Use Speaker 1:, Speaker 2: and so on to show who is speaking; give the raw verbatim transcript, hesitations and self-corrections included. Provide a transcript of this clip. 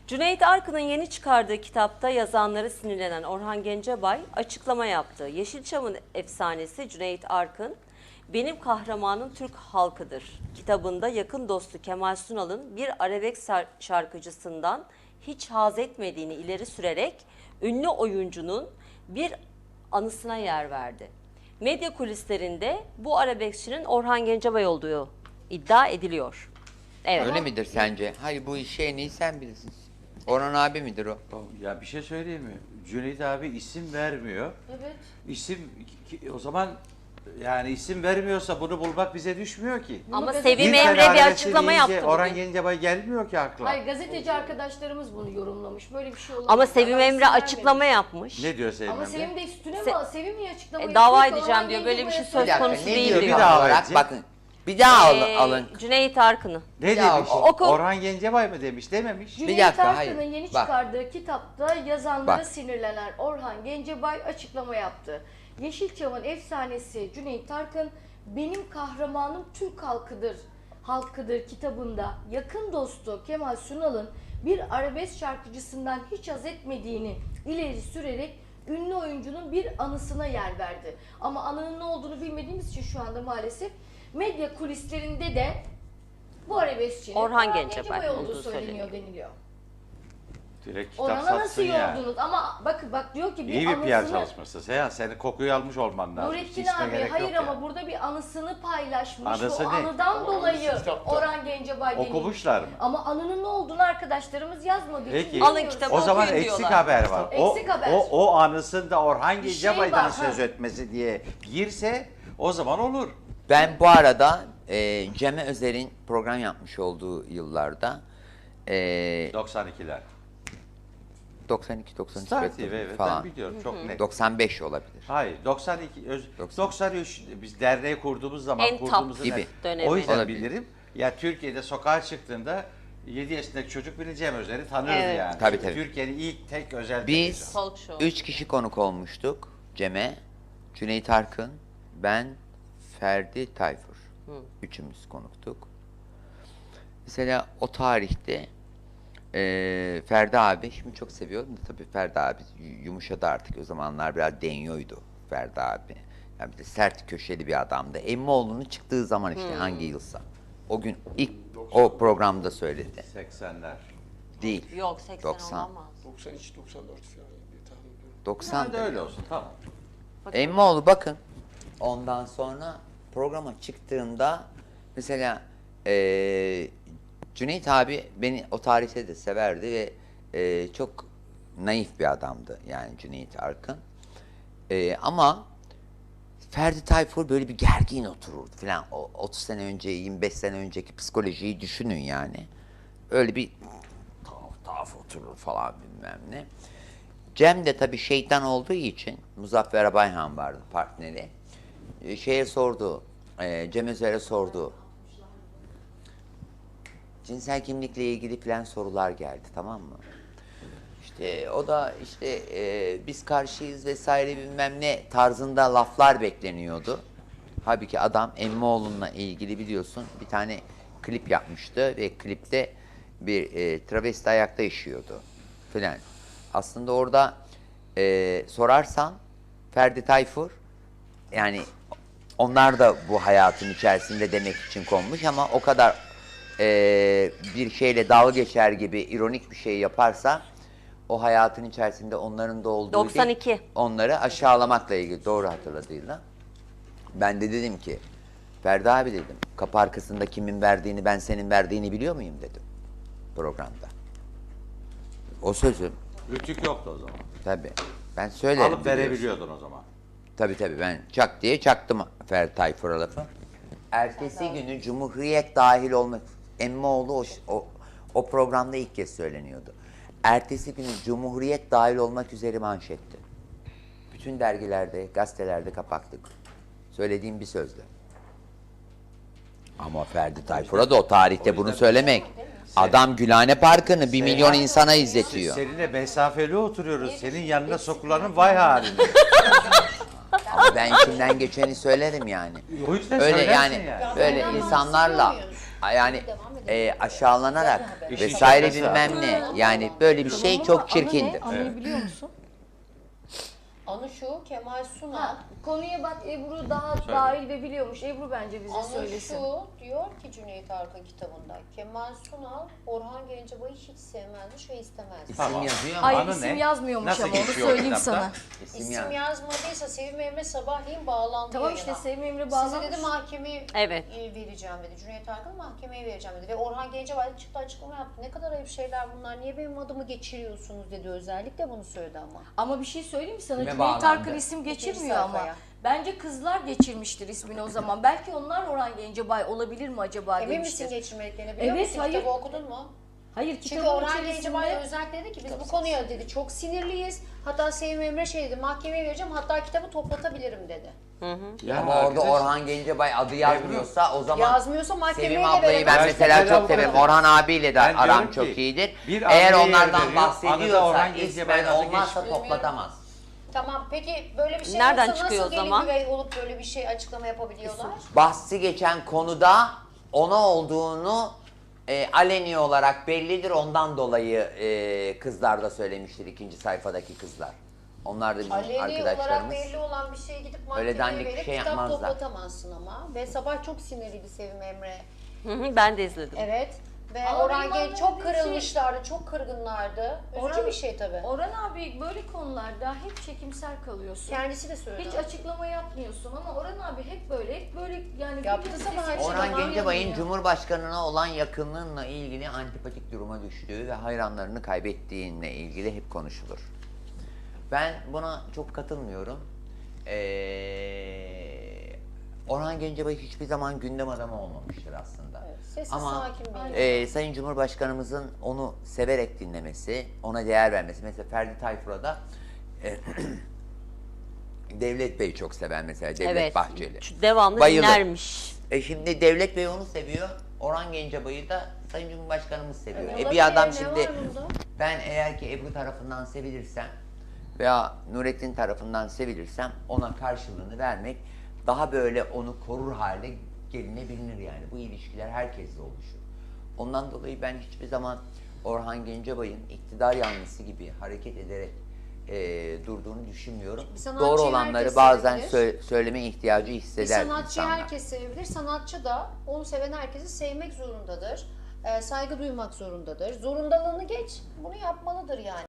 Speaker 1: Cüneyt Arkın'ın yeni çıkardığı kitapta yazanları sinirlenen Orhan Gencebay açıklama yaptı. Yeşilçam'ın efsanesi Cüneyt Arkın, benim kahramanım Türk halkıdır kitabında yakın dostu Kemal Sunal'ın bir arabesk şarkıcısından hiç haz etmediğini ileri sürerek ünlü oyuncunun bir anısına yer verdi. Medya kulislerinde bu arabeskçinin Orhan Gencebay olduğu iddia ediliyor. Evet.
Speaker 2: Öyle midir sence? Hayır, bu işi en iyi sen bilirsin. Orhan abi midir o?
Speaker 3: Ya bir şey söyleyeyim mi? Cüneyt abi isim vermiyor.
Speaker 4: Evet.
Speaker 3: İsim o zaman yani isim vermiyorsa bunu bulmak bize düşmüyor ki.
Speaker 1: Ama
Speaker 4: Bir
Speaker 1: Sevim
Speaker 3: Bir
Speaker 1: Emre bir
Speaker 3: felaket
Speaker 1: açıklama
Speaker 3: deyince
Speaker 1: yaptı
Speaker 3: Orhan
Speaker 1: bugün.
Speaker 3: Gencebay gelmiyor ki akla.
Speaker 4: Hayır, gazeteci arkadaşlarımız bunu yorumlamış. Böyle bir şey olamaz.
Speaker 1: Ama Sevim
Speaker 4: Adam
Speaker 1: Emre
Speaker 4: isim
Speaker 1: açıklama
Speaker 4: vermemiş.
Speaker 1: yapmış.
Speaker 3: Ne diyor Sevim
Speaker 4: Ama
Speaker 3: Emre?
Speaker 4: Sevim de üstüne
Speaker 1: Se-
Speaker 4: mi? Sevim niye açıklama
Speaker 1: E,
Speaker 4: yapıyor?
Speaker 1: dava
Speaker 4: ki?
Speaker 1: edeceğim
Speaker 4: Orhan
Speaker 1: diyor. Böyle bir şey
Speaker 4: Gencebay'a
Speaker 1: söz
Speaker 2: Bir dakika,
Speaker 1: konusu
Speaker 2: ne
Speaker 1: değil
Speaker 2: diyor
Speaker 3: Bir
Speaker 1: diyor.
Speaker 3: daha
Speaker 2: olarak?
Speaker 3: edecek.
Speaker 2: Bakın, bir daha al-
Speaker 1: Ee,
Speaker 2: alın.
Speaker 1: Cüneyt Arkın'ı.
Speaker 3: Ne
Speaker 2: Ya,
Speaker 3: demiş?
Speaker 1: oku.
Speaker 3: Orhan Gencebay mı demiş? Dememiş.
Speaker 4: Cüneyt
Speaker 2: dakika,
Speaker 4: Arkın'ın
Speaker 2: hayır.
Speaker 4: yeni
Speaker 2: Bak.
Speaker 4: çıkardığı kitapta yazanlara
Speaker 2: Bak.
Speaker 4: sinirlenen Orhan Gencebay açıklama yaptı. Yeşilçam'ın efsanesi Cüneyt Arkın, benim kahramanım Türk halkıdır, halkıdır kitabında yakın dostu Kemal Sunal'ın bir arabesk şarkıcısından hiç haz etmediğini ileri sürerek ünlü oyuncunun bir anısına yer verdi. Ama anının ne olduğunu bilmediğimiz için şu anda maalesef medya kulislerinde de bu arabeskçinin
Speaker 1: Orhan
Speaker 4: Orhan
Speaker 1: Gencebay
Speaker 4: Gencebay
Speaker 1: olduğu
Speaker 4: olduğu söyleniyor
Speaker 1: söyleniyor.
Speaker 4: deniliyor.
Speaker 3: Direkt kitap
Speaker 4: Orhan'a nasıl
Speaker 3: satsın ya.
Speaker 4: yoldunuz? Ama bakın bak diyor ki bir
Speaker 3: İyi bir P R
Speaker 4: anısını...
Speaker 3: çalışması. Seyhan senin kokuyu almış olman lazım.
Speaker 4: Nurettin
Speaker 3: İsme
Speaker 4: abi
Speaker 3: gerek
Speaker 4: hayır
Speaker 3: yok
Speaker 4: ama
Speaker 3: ya.
Speaker 4: burada bir anısını paylaşmış.
Speaker 3: Anısı
Speaker 4: Bu
Speaker 3: ne?
Speaker 4: anıdan dolayı
Speaker 5: kitapta.
Speaker 4: Orhan Gencebay denilmiş.
Speaker 3: Okumuşlar mı?
Speaker 4: Ama anının ne olduğunu arkadaşlarımız yazmadığı için
Speaker 3: Peki.
Speaker 1: Alın
Speaker 4: bilmiyoruz.
Speaker 1: kitabı
Speaker 3: O zaman
Speaker 1: okuyun
Speaker 3: eksik
Speaker 1: diyorlar.
Speaker 3: haber var.
Speaker 4: Eksik
Speaker 3: o,
Speaker 4: haber.
Speaker 3: o o anısında Orhan
Speaker 4: Bir şey
Speaker 3: Gencebay'dan
Speaker 4: var,
Speaker 3: söz
Speaker 4: ha.
Speaker 3: etmesi diye girse o zaman olur.
Speaker 2: Ben bu arada e, Cem Özer'in program yapmış olduğu yıllarda e,
Speaker 3: doksan ikiler.
Speaker 2: doksan iki doksan üç
Speaker 3: Star T V evet
Speaker 2: falan.
Speaker 3: ben biliyorum çok net.
Speaker 2: doksan beş olabilir.
Speaker 3: Hayır doksan iki öz,
Speaker 2: doksan.
Speaker 3: doksan üç biz derneği kurduğumuz zaman
Speaker 1: En top
Speaker 3: kurduğumuz
Speaker 2: gibi
Speaker 1: dönemi.
Speaker 3: o yüzden
Speaker 2: Olabilir.
Speaker 3: bilirim. Ya Türkiye'de sokağa çıktığında yedi yaşındaki çocuk bile Cem Özer'i tanırdı
Speaker 1: Evet.
Speaker 3: yani.
Speaker 2: Tabii,
Speaker 3: Çünkü
Speaker 2: tabii.
Speaker 3: Türkiye'nin ilk tek özel
Speaker 2: Biz
Speaker 3: televizyonu.
Speaker 1: Talk show.
Speaker 2: üç kişi konuk olmuştuk. Cem'e, Cüneyt Arkın, ben, Ferdi Tayfur. Üçümüz konuktuk. Mesela o tarihte eee Ferdi abi, şimdi çok seviyorum da tabii Ferdi abi yumuşadı artık. O zamanlar biraz deniyordu Ferdi abi. Yani bir de sert köşeli bir adamdı. Emmoğlu'nun çıktığı zaman işte hangi yılsa. O gün ilk o programda söyledi.
Speaker 3: seksenler.
Speaker 2: Değil.
Speaker 1: Yok seksen
Speaker 2: doksan.
Speaker 1: olamaz.
Speaker 5: doksan üç doksan dört falan diye tahmin ediyorum.
Speaker 2: doksan.
Speaker 3: Sen de öyle olsun tamam.
Speaker 2: Emmoğlu bakın. Ondan sonra programa çıktığımda mesela eee Cüneyt abi beni o tarihte de severdi ve eee, çok naif bir adamdı yani Cüneyt Arkın. Eee, ama Ferdi Tayfur böyle bir gergin otururdu falan. O otuz sene önce, yirmi beş sene önceki psikolojiyi düşünün yani. Öyle bir tuhaf tuhaf oturur falan bilmem ne. Cem de tabii şeytan olduğu için Muzaffer Bayhan vardı partneri. Ee, şeye sordu, e, Cem Özer'e sordu. Cinsel kimlikle ilgili falan sorular geldi, tamam mı? İşte o da işte e, biz karşıyız vesaire bilmem ne tarzında laflar bekleniyordu. Halbuki adam Emmoğlu'na ilgili biliyorsun bir tane klip yapmıştı ve klipte bir e, travesti ayakta işiyordu filan. Aslında orada e, sorarsan Ferdi Tayfur yani onlar da bu hayatın içerisinde demek için konmuş ama o kadar e, bir şeyle dalga geçer gibi ironik bir şey yaparsa o hayatın içerisinde onların da olduğu
Speaker 1: doksan
Speaker 2: değil,
Speaker 1: iki.
Speaker 2: onları aşağılamakla ilgili doğru hatırladığıyla. Ben de dedim ki Ferdi abi dedim kapı arkasında kimin verdiğini ben senin verdiğini biliyor muyum dedim programda. O sözüm
Speaker 3: Rütük yoktu o zaman.
Speaker 2: tabii ben söylerim.
Speaker 3: Alıp
Speaker 2: biliyorsun.
Speaker 3: verebiliyordun o zaman.
Speaker 2: Tabii tabii ben çak diye çaktım Ferdi Tayfur'a lafı. Ertesi günü Cumhuriyet dahil olmak, Emmoğlu o, o, o programda ilk kez söyleniyordu. Ertesi günü Cumhuriyet dahil olmak üzere manşetti. Bütün dergilerde, gazetelerde kapaktık. Söylediğim bir sözdü. Ama Ferdi Tayfur'a da o tarihte bunu söylemek. Adam Gülhane Parkı'nı bir milyon insana izletiyor.
Speaker 3: Seninle mesafeli oturuyoruz. Senin yanına sokulanın vay haline.
Speaker 2: Ama ben içimden geçeni söylerim yani.
Speaker 3: O yüzden
Speaker 2: Öyle
Speaker 3: söylersin
Speaker 2: yani,
Speaker 3: yani.
Speaker 2: böyle insanlarla yani e, aşağılanarak
Speaker 3: İşin
Speaker 2: vesaire
Speaker 3: şakası.
Speaker 2: bilmem ne. Yani böyle bir şey
Speaker 4: Ama
Speaker 2: çok
Speaker 4: anı
Speaker 2: çirkindir.
Speaker 4: ne? Anıyı biliyor musun?
Speaker 6: Anı şu, Kemal Sunal.
Speaker 4: Ha, konuya bak, Ebru daha
Speaker 3: Söyle.
Speaker 4: dahil ve biliyormuş. Ebru bence bize
Speaker 6: Anı
Speaker 4: söylesin.
Speaker 6: şu, diyor ki Cüneyt Arkın kitabında, Kemal Sunal, Orhan Gencebay'ı hiç sevmezmiş ve istemezmiş.
Speaker 2: İsim
Speaker 3: Tamam.
Speaker 2: yazıyor ama
Speaker 4: Hayır,
Speaker 3: Anı
Speaker 4: isim
Speaker 3: ne?
Speaker 4: yazmıyormuş
Speaker 3: Nasıl
Speaker 4: ama onu
Speaker 3: geçiyor o
Speaker 4: söyleyeyim
Speaker 3: kitapta?
Speaker 4: sana.
Speaker 2: isim
Speaker 6: İsim
Speaker 2: yaz.
Speaker 6: yazmadıysa Sevim Emre sabahleyin bağlandı
Speaker 4: Tamam
Speaker 6: yayına.
Speaker 4: işte Sevim Emre
Speaker 6: Size
Speaker 4: bağlamış.
Speaker 6: dedi mahkemeye
Speaker 1: Evet.
Speaker 6: vereceğim dedi. Cüneyt Arkın mahkemeye vereceğim dedi. Ve Orhan Gencebay da çıktı açıklama yaptı. Ne kadar ayıp şeyler bunlar. Niye benim adımı geçiriyorsunuz dedi. Özellikle bunu söyledi ama.
Speaker 4: Ama bir şey söyleyeyim mi sana?
Speaker 2: Kime
Speaker 4: Cüneyt
Speaker 2: bağlandı?
Speaker 4: Arkın isim geçirmiyor ama.
Speaker 6: sayfaya.
Speaker 4: Bence kızlar geçirmiştir ismini o zaman. Belki onlar Orhan Gencebay olabilir mi acaba
Speaker 6: Emin misin
Speaker 4: demiştir.
Speaker 6: geçirmediklerini biliyor
Speaker 4: Evet,
Speaker 6: musun?
Speaker 4: hayır.
Speaker 6: Kitabı okudun mu?
Speaker 4: Hayır,
Speaker 6: Çünkü
Speaker 4: kitabın
Speaker 6: Orhan
Speaker 4: içerisinde...
Speaker 6: Gencebay özellikle dedi ki biz bu konuya dedi çok sinirliyiz. Hatta Sevim Emre şey dedi mahkemeye vereceğim hatta kitabı toplatabilirim dedi.
Speaker 3: Yani
Speaker 2: Ama orada
Speaker 3: arkadaş-
Speaker 2: Orhan Gencebay adı yazmıyorsa o zaman
Speaker 6: Yazmıyorsa mahkemeye
Speaker 2: Sevim
Speaker 6: de
Speaker 2: ablayı ben
Speaker 6: veremez.
Speaker 2: mesela
Speaker 3: Ben
Speaker 2: çok
Speaker 3: avukatım.
Speaker 2: severim. Orhan abiyle de
Speaker 3: Ben
Speaker 2: aram
Speaker 3: diyorum
Speaker 2: çok
Speaker 3: ki,
Speaker 2: iyidir.
Speaker 3: bir
Speaker 2: Eğer
Speaker 3: abiye
Speaker 2: onlardan
Speaker 3: yer veriyor, anı da
Speaker 2: bahsediyorsa
Speaker 3: Orhan Gencebay'ın
Speaker 2: ismen
Speaker 3: adı
Speaker 2: olmazsa
Speaker 3: geçmiyor.
Speaker 2: toplatamaz.
Speaker 6: Tamam peki böyle bir şey
Speaker 1: Nereden
Speaker 6: yoksa
Speaker 1: çıkıyor
Speaker 6: nasıl
Speaker 1: o
Speaker 6: gelin
Speaker 1: zaman?
Speaker 6: güvey olup böyle bir şey açıklama yapabiliyorlar?
Speaker 2: Bahsi geçen konuda ona olduğunu e, aleni olarak bellidir. Ondan dolayı e, kızlar da söylemiştir, ikinci sayfadaki kızlar. Onlar da bizim
Speaker 6: Aleni olarak
Speaker 2: arkadaşlarımız.
Speaker 6: belli olan bir şeye gidip
Speaker 2: Öyle
Speaker 6: mahkemeye
Speaker 2: dandik bir
Speaker 6: verip
Speaker 2: şey
Speaker 6: kitap
Speaker 2: yapmazlar.
Speaker 6: toplatamazsın ama. Ve sabah çok sinirliydi Sevim Emre.
Speaker 1: Hı hı, ben de izledim.
Speaker 6: Evet. Ve
Speaker 4: Ama
Speaker 6: Orhan
Speaker 4: benim
Speaker 6: Genç çok
Speaker 4: anlamadığım şey-
Speaker 6: kırılmışlardı, çok kırgınlardı. Üzücü
Speaker 4: Orhan-
Speaker 6: bir şey tabii.
Speaker 4: Orhan abi böyle konularda hep çekimsel kalıyorsun.
Speaker 6: Kendisi de söyledi.
Speaker 4: Hiç açıklama yapmıyorsun ama Orhan abi hep böyle, hep böyle yani...
Speaker 6: Yaptı
Speaker 4: bir
Speaker 6: sabah
Speaker 4: sesi-
Speaker 6: açıklama.
Speaker 2: Orhan
Speaker 6: Açıklama
Speaker 2: Gencebay'ın
Speaker 6: yapıyor.
Speaker 2: Cumhurbaşkanı'na olan yakınlığıyla ilgili antipatik duruma düştüğü ve hayranlarını kaybettiğinle ilgili hep konuşulur. Ben buna çok katılmıyorum. Ee, Orhan Gencebay hiçbir zaman gündem adamı olmamıştır aslında.
Speaker 6: Evet, sessiz
Speaker 2: Ama
Speaker 6: sakin bir
Speaker 2: e, Sayın Cumhurbaşkanımızın onu severek dinlemesi, ona değer vermesi. Mesela Ferdi Tayfur'a da e, Devlet Bey çok sever mesela, Devlet
Speaker 1: Evet.
Speaker 2: Bahçeli.
Speaker 1: Şu Devamlı
Speaker 2: Bayılır.
Speaker 1: dinlermiş.
Speaker 2: E şimdi Devlet Bey onu seviyor, Orhan Gencebay'ı da Sayın Cumhurbaşkanımız seviyor. E
Speaker 6: Olabilir,
Speaker 2: bir adam
Speaker 6: ne
Speaker 2: şimdi,
Speaker 6: var bunda?
Speaker 2: ben eğer ki Ebru tarafından sevilirsem veya Nurettin tarafından sevilirsem ona karşılığını vermek daha böyle onu korur hale gelinebilir yani. Bu ilişkiler herkesle oluşur. Ondan dolayı ben hiçbir zaman Orhan Gencebay'ın iktidar yanlısı gibi hareket ederek e, durduğunu düşünmüyorum.
Speaker 6: Bir sanatçıyı
Speaker 2: Doğru olanları
Speaker 6: herkes
Speaker 2: bazen
Speaker 6: sevebilir.
Speaker 2: sö- söyleme ihtiyacı
Speaker 6: Bir
Speaker 2: hisseder
Speaker 6: sanatçıyı
Speaker 2: insanlar.
Speaker 6: herkes sevebilir. Sanatçı da onu seven herkesi sevmek zorundadır. Ee, saygı duymak zorundadır. Zorundalığını geç, bunu yapmalıdır yani.